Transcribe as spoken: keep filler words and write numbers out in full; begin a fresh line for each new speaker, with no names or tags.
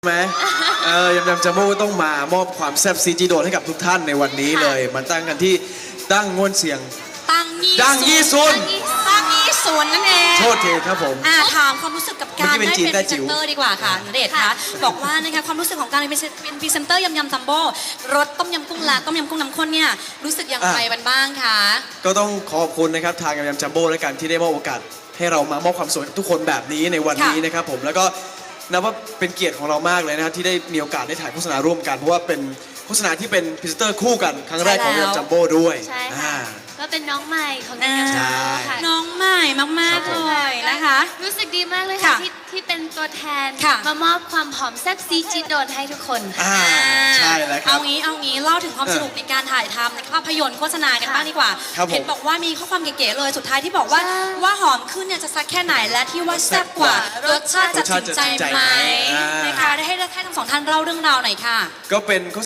ไหมเออยำยำจัมโบ้ต้องมามอบความแซ่บซีจีโดนให้กับทุกท่านในวันนี้เลยมาตั้งกันที่ตั้งง่วนเสียง
ตั้งยี่
ดังยี่ซุน
ตั้งยี่ซุนนั่นเอง
โทษทีครับผม
อ่าถามความรู้สึกกับการ
เมื่อกี้เป็น
ได้
จีน
เป็น
ได้
พรี
จิ๋
เซ
ว
นเตอร์ดีกว่าค่ะณเดชน์คะบอกว่านะคะความรู้สึกของการเป็นเป็นพรีเซนเตอร์ยำยำจัมโบ้รสต้มยำกุ้งและต้มยำกุ้งน้ำข้นเนี่ยรู้สึกอย่างไรกันบ้างคะ
ก็ต้องขอบคุณนะครับทางยำยำจัมโบ้และกันที่ได้มอบโอกาสให้เรามามอบความสุขให้ทุกคนแบบนี้ในวันนี้นะครับผมแล้วก็นับว่าเป็นเกียรติของเรามากเลยนะครับที่ได้มีโอกาสได้ถ่ายโฆษณาร่วมกันเพราะว่าเป็นโฆษณาที่เป็นพรีเซนเตอร์คู่กันครั้งแรกของยำยำจัมโบ้ด้วย
ใช่ค่ะ
อ่า
ก็เป็นน้องใหม่ของ
อ่า
งานจัมโบ้ค่ะ
น้องใหม่มาก
ครับ
ๆ
ผ
เล
ม
ยนะคะ
รู้สึกดีมากเลยค่ะ
ค่ะ
ที่ที่เป็นตัวแทน
ค่ะ
มามอบความหอมแซ่บซีจีโดนให้ทุกคนค่ะ
อ่าใช่แล้วครั
เอา
บ
งี้เอางี้เล่าถึงความสนุกในการถ่ายทำในภาพยนตร์โฆษณากันบ้างดีกว่า
ครับผม
เห็นบอกว่ามีข้อความเก๋ๆเลยสุดท้ายที่บอกว่า
ใช่
ว่าหอมขึ้นเนี่ยจะซักแค่ไหนและที่ว่าแซ่บกว่ารสชาติจะถึงใจไหมนะคะได้ให้ให้ทั้งสองท่านเล่าเรื่องราวหน่อยค่ะ
ก็เป็น